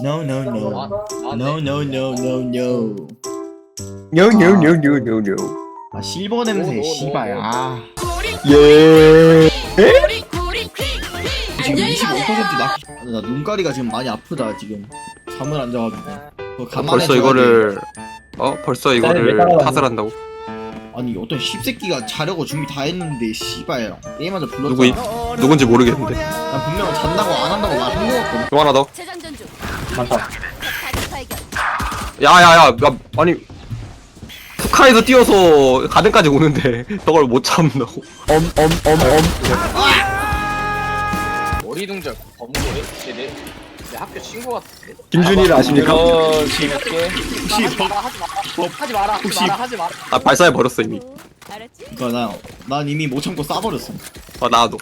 No no no. No no no no no. 노노노노노노. 아 실버 냄새 씨발. 아 예. 지금 25%나 눈가리가 지금 많이 아프다 지금. 잠을 안 자가지고. 그거 감안해줘야 벌써 돼. 이거를 벌써 이거를 따라가는 탓을 한다고? 아니 어떤 씹새끼가 자려고 준비 다 했는데 씨발 게임하자 누구이 불렀잖아. 누군지 모르겠는데. 난 분명 잔다고 안 한다고 말한 거 같거든. 또 하나 더. 재장전 중. 많다. 다시 발견. 야야야, 아니 북한에서 뛰어서 가든까지 오는데 저걸 못 참는다고. 머리둥절 범고래? 내 학교 친구 같은데? 김준희를 아십니까? 재밌게 혹시 하지 마라 하지 마라 아 발사해 버렸어 이미. 알았지? 그니까 난 이미 못 참고 싸버렸어. 나도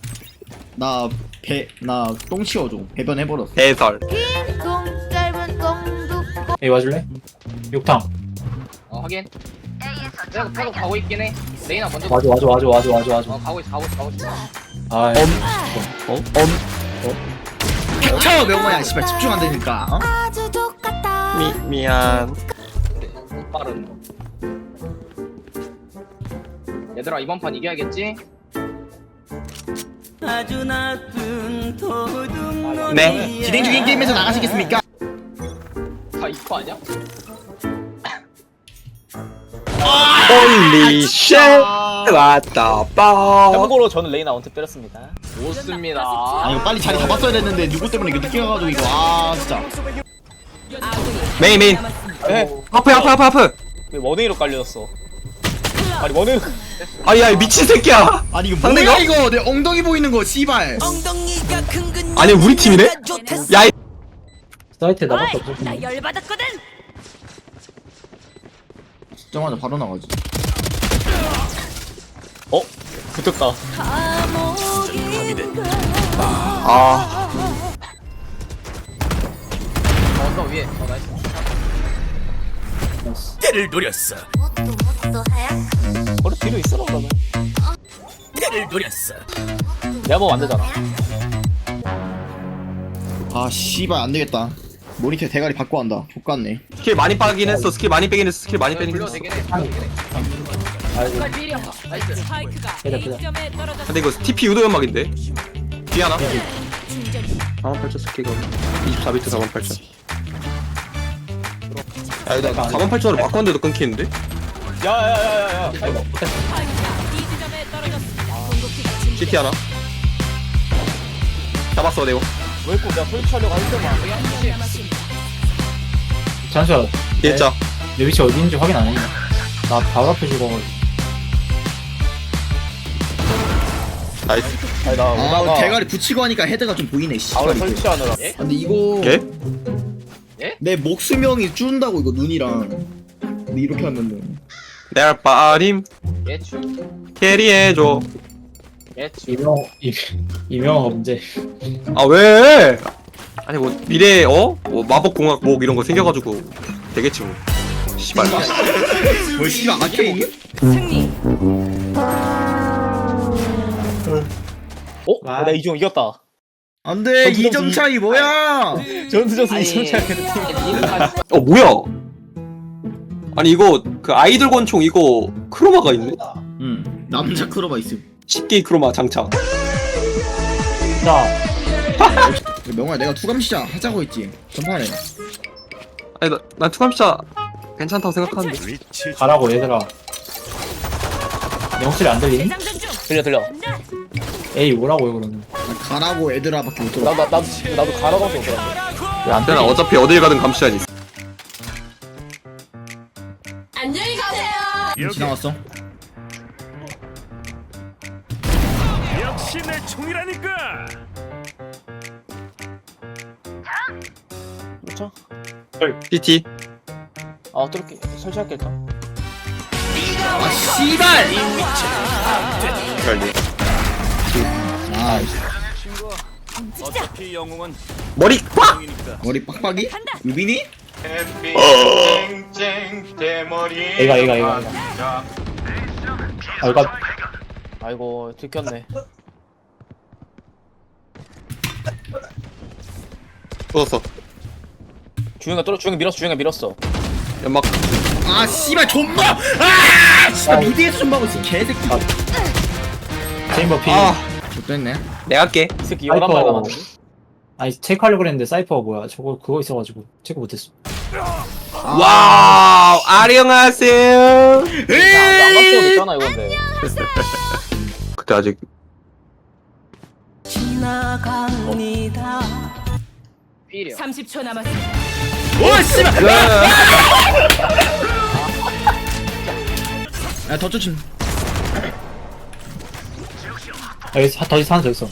나 똥 치워줘. 배변해버렸어. 해설. 동 짧은 똥도 여기 와줄래? 욕탕. 확인 내가 계속 가고 있긴 해 레이나 먼저 와줘. 가고 있어 아, 쳐 명호야 씨발 집중 안 되니까. 어? 아주 똑같다. 미안. 못 빠른 거 얘들아 이번 판 이겨야겠지? 네. 진행 중인 게임에서 나가시겠습니까? 다 이거 아니야? 홀리 쉣. 왔다 빠. 참고로 저는 레이나 원탭 때렸습니다. 좋습니다 아 이거 빨리 자리 잡았어야 됐는데 누구 때문에 이거 늦게 가가지고 이거 아 진짜. 메인. 에? 하프. 왜 원웨이로 깔려졌어? 아니 원웨이 아야 미친 새끼야. 아니 이거 상대가? 뭐야 이거 내 엉덩이 보이는 거 씨발. 아니 우리 팀이네? 야 이. 사이트에 나밖에 없어. 나 열받았거든. 진짜마자 바로 나가지. 붙었다. 아 언더 위에 나이스 뭣도 하얗. 머리 뒤로 있어라 그러면. 내가 보면 안 되잖아. 아 씨발 안 되겠다. 모니터 대가리 바꿔 한다. 족같네. 스킬 많이 빠긴 했어. 스킬 많이 빼긴 했어. 스킬 많이 빼긴 불러 했어. 되긴 해 불러 되긴 해 아이고, 빨리 필이야 나이스 그래. 근데 이거 TP 유도 연막인데? 뒤 하나? 48,000 스킬가 24비트 48,000. 야 이거 48,000으로 바꿨는데도 끊기는데? 야야야야야. CT 하나? 잡았어 내고. 왜 꼭 내가 설치하려고 할 때만. 잠시만. 진짜. 내 위치 어디 있는지 확인 안 했냐? 나 바로 앞에 죽어. 나이스. 아니 나 아 오다가 대가리 붙이고 하니까 헤드가 좀 보이네 씨발. 바로 이게. 설치하느라. 근데 이거 개? 내 목수명이 줄은다고 이거 눈이랑. 근데 이렇게 하면은 내 빠림 예추 캐리해줘. 예추 이명 범죄. 아 왜? 아니 뭐 미래에 뭐 마법공학 뭐 이런 거 생겨가지고 되겠지 뭐. 씨발. 뭘 씨발 아케인? 와. 나 이종 이겼다. 안돼 점수 2점 차이 뭐야? 전투전수 아니, 이종 차이는 팀. 뭐야? 아니 이거 그 아이돌 권총 이거 크로마가 있네? 응 남자 크로바 있음. 10개의 크로마 장착. 자, 명호야 내가 투감 시작 하자고 했지 전판에. 아니 난 투감시자 괜찮다고 생각하는데. 가라고 얘들아. 영실이 안 들리니? 재장전 중. 들려. 에이 오라고요 그러면. 가라고 애들아밖에 못 들어. 나도 가라고 해서 그런데. 왜안 그냥 들리? 어차피 어딜 가든 감시자니 있어. 안녕히 가세요. 지나갔어. 역시 내 총이라니까. 그렇죠? PT. 뚫을게. 설치할게 일단. 아 씨발. 빨리. 아 어차피 영웅은 머리 꽉. 총이니까. 머리 빡빡이? 유빈이? 얘가. 아, 이거 아이고 들켰네. 쏟았어. 주영이 밀었어. 연막. 아 씨발 존버. 아 씨발 미드에서 존버하고 있어 개새끼. 체인버 피. 아, 좋됐네. 내가 할게. 이 새끼 11발 남았는데. 아니 체크하려고 그랬는데 사이퍼가 뭐야 저거 그거 있어가지고 체크 못했어. 와우, 안녕하세요. 안 맞춰도 있잖아 이건데. 그때 아직 필이야. 30초 남았습니다. 오 씨발. 야더 쫓임. 여기 더 이상 하나 더 있어.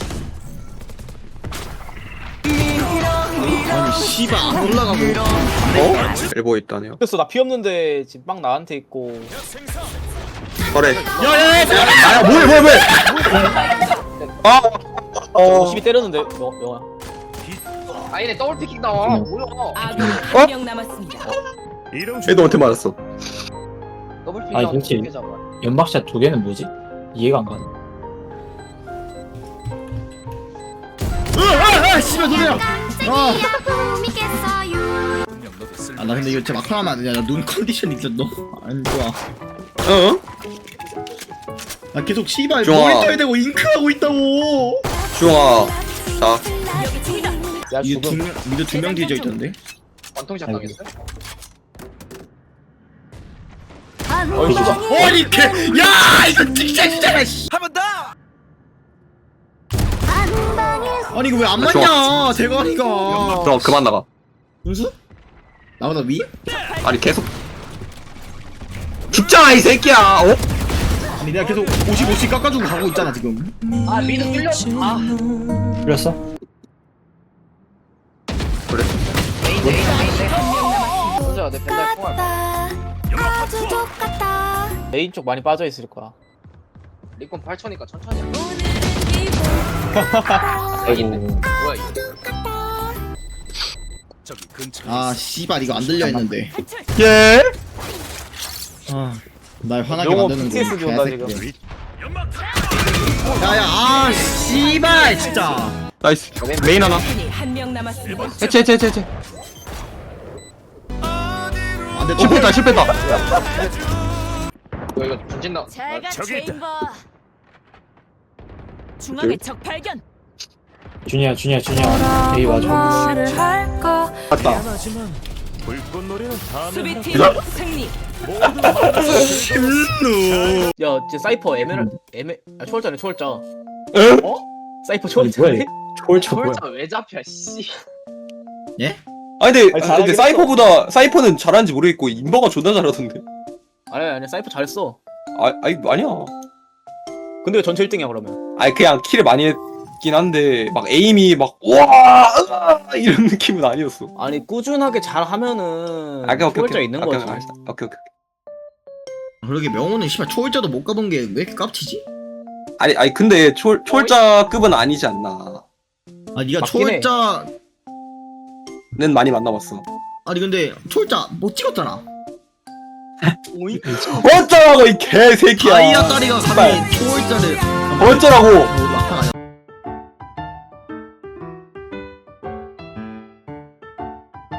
아니 씨발 안 올라가고. 엘보에 있다네요. 그래서 나 피 없는데 지금 빵 나한테 있고. 그래. 야야야. 아, 뭐해. 아, 52 때렸는데 영아. 아 얘네 더블 피킹 나와. 뭐야? 아군 한명 남았습니다. 이런 얘도 어떻게 맞았어? 더블 피킹 아니, 나와. 그렇지. 어떻게 잡아? 연막샷 두 개는 뭐지? 이해가 안 가네. 아 씨발 노래야. 꿈이겠어요. 아나 근데 이거 진짜 막상 하면 안 되냐. 나 눈 컨디션 있어 너. 안 좋아. 어? 나 계속 씨발 좋아. 머리 떠야 되고 잉크하고 있다고. 주영아. 자, 여기 총이다. 야 미드 죽음. 미드 2명 뒤져 있던데. 원통샷 아이고. 당했어? 아니 야 이거 진짜 씨. 아니 이거 왜 안 맞냐 대가리가. 그럼 그만 나가. 은수? 나보다 위? 아니 계속 죽잖아 이 새끼야. 어? 아니 내가 계속 50 깎아주고 가고 있잖아 지금. 아 미드 뚫려. 아 풀렸어? 그래. 메인. 혼자 내 펜달 통할. 아주 똑같다. 메인 쪽 많이 빠져 있을 거야. 리콘 8천이니까 천천히. 해. 아이고. 뭐야 이거? 저기 근처. 아 씨발 이거 안 들려 했는데. 예. 날 화나게 영어 만드는 PTSD 온다, 지금. 연막. 야야 아 씨발 진짜. 나이스. 메인 하나. 한명 남았습니다. 해체. 안돼 실패다. 이거 전진다. 잘가 저기 있다. 체인버. 중앙에 적 발견. 준이야. 에이 맞아. 맞다. 하지만 불꽃놀이는 다음에 수비팀 이거- 승리. 야, 쟤 사이퍼 초월자네 초월자. 응? 어? 사이퍼 아니 뭐야 초월자네? 이거. 초월차 뭐야? 철자 왜 잡혀 씨. 아니 근데 아니, 잘하긴 사이퍼는 잘하는지 모르겠고 인버가 존나 잘하던데. 아니 사이퍼 잘했어. 아니야. 근데 왜 전체 1등이야 그러면? 아니 그냥 킬을 많이 했긴 한데 막 에임이 막 우와 이런 느낌은 아니었어. 아니 꾸준하게 잘하면은 오케이. 초월자 있는 거지. 오케이. 그러게 명호는 씨발 초월자도 못 가본 게 왜 이렇게 깝치지? 아니 근데 초월자급은 아니지 않나. 아 니가 맞긴 해. 초월자는 많이 만나봤어. 아니 근데 초월자 못 찍었잖아. 어쩌라고 이 개새끼야. 다이아 다리가 감히 초월자를 어쩌라고.